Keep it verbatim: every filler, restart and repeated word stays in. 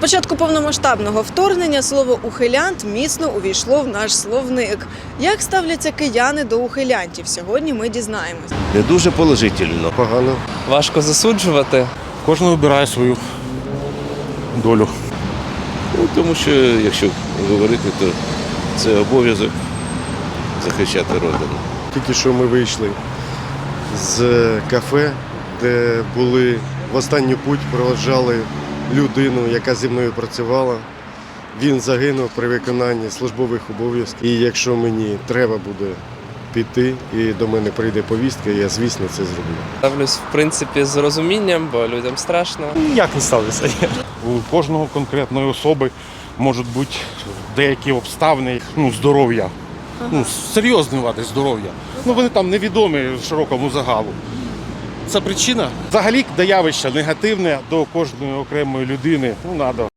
початку повномасштабного вторгнення слово «ухилянт» міцно увійшло в наш словник. Як ставляться кияни до ухилянтів? Сьогодні ми дізнаємось. Не дуже положительно. Погано. Важко засуджувати. Кожен обирає свою долю. Ну, тому що, якщо говорити, то це обов'язок захищати родину. Тільки що ми вийшли з кафе, де були в останню путь, проводжали людину, яка зі мною працювала. Він загинув при виконанні службових обов'язків. І якщо мені треба буде піти і до мене прийде повістка, я, звісно, це зроблю. Ставлюсь, в принципі, з розумінням, бо людям страшно. Ніяк не ставлюся. У кожного конкретної особи можуть бути деякі обставини, ну, здоров'я. Ну, серйозні вади здоров'я. Ну, вони там невідомі широкому загалу. Це причина. Взагалі, до явища негативне до кожної окремої людини, ну, треба